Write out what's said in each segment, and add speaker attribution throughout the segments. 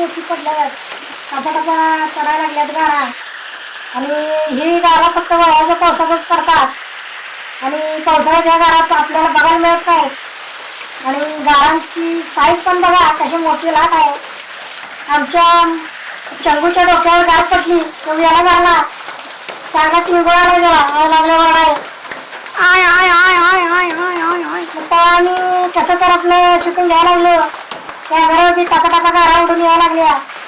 Speaker 1: मोठी पडल्या टपाटपा पडायला लागल्यात गारा. आणि ही गारा फक्त वळवाच्या पावसातच पडतात आणि पावसाळ्यात या गारात आपल्याला बघायला मिळत नाही. आणि गारांची साईज पण बघा कशी मोठी लाट आहे. आमच्या चंगूच्या डोक्यावर गार पडली तो याला गारला चांगला टिंगोळा गेला लागल्यावर आहे. आय आय आय आय आय आय आय आय तर आम्ही कसं तर आपलं शूटिंग घ्यायला लागलो. त्या घरावरती टाका गारा उडून यायला लागल्या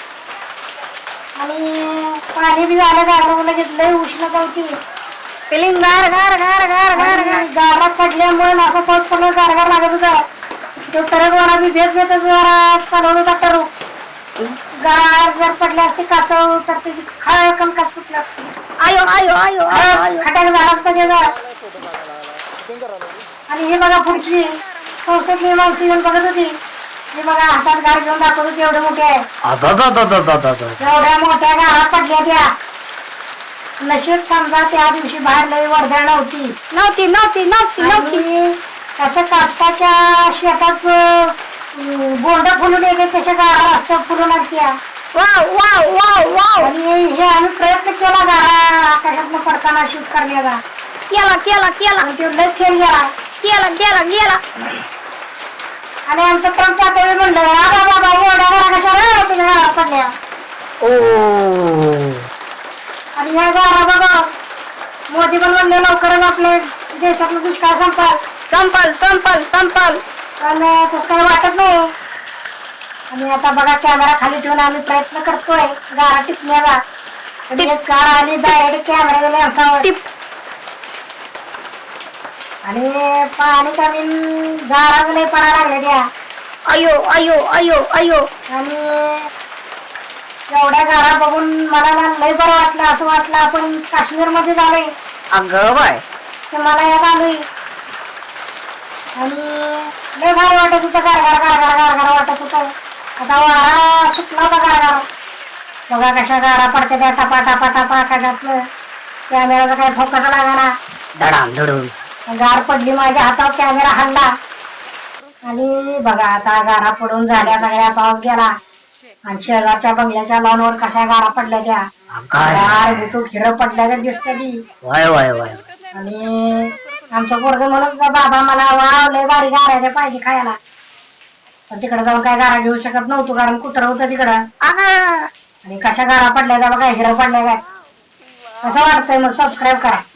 Speaker 1: आणि पाणी बी झालं गारला लगेच लई उष्णता होती. फिलिंग गार गार गार गार गार गार गारा पडल्यामुळे असं पाऊस पडलं गार गार लागत होता. तो टरकवाला बी भेट भेटच जरा चालवत होता टरक. गार जर पडले असते काचव तर त्याची खळकन काच फुटलं. आयो आयो आयो खटाक झाला असता त्याचा. आणि हे बघा पुढची संस्थेतली माणसं येऊन बघत होती. हे बघा हातात गार घेऊन दाखवत होती एवढे मोठे आहे. एवढ्या मोठ्या गारा पडल्या त्या. नशीब समजा त्या दिवशी बाहेर लई वर्दळ नव्हती नव्हती नव्हती नव्हती नव्हती. असं कापसाच्या शेतात बोंड फुलून येते तशा गारा रस्त्यावर फुलून असत्या. Wow wow wow wow. आणि हे आम्ही प्रयत्न केला गारा आकाशातनं पडताना शूट करण्याचा. केला केला केला लय फेल गेला केला गेला गेला. आणि आमचं ट्रम्प आता म्हणलं बाबा एवढ्या गारा कशा तुझ्या गारा पडल्या. आणि ह्या गारा बघा मोदी पण म्हणले लवकरच आपल्या देशातलं दुष्काळ संपाल संपाल संपाल संपाल. पण तसं काही वाटत नाही. आणि आता बघा कॅमेरा खाली ठेवून आम्ही प्रयत्न करतोय गारा टिपण्याचा. गार आली डायरेक्ट कॅमेरा लेन्सावर आणि पाणी कमी गाराच लय पडायला लागले त्या. अयो अयो अयो अयो. आणि एवढ्या गारा बघून मला लय बरं वाटलं. असं वाटलं आपण काश्मीर मध्ये जावे. अगं बाय ते मला याद आलोय. आणि लय भारी वाटत होतं गारगार गारगार गारगार वाटत होतं. आता वारा सुटला होता गारगार. बघा कशा गारा पडते त्या टपा टपा टपा आकाशातलं. कॅमेराचा काही फोकस लागला धडाम धडून गार पडली माझ्या हातावर कॅमेरा हल्ला. आणि बघा आता गारा पडून झाल्या सगळ्या पाऊस गेला. आणि शेजारच्या बंगल्याच्या लॉनवर कशा गारा पडल्या त्या. गार गुटू खिरं पडल्या दिसते ती. आणि आमचं पोरग म्हणत बाबा मला वाव लय भारी गारा पाहिजे खायला. पण तिकडे जाऊन काय गारा घेऊ शकत नव्हतो कारण कुत्रं होतं तिकडं. आणि कशा गारा पडल्या त्या बघा हिरं पडल्या काय. कसं वाटतंय मग सबस्क्राईब करा.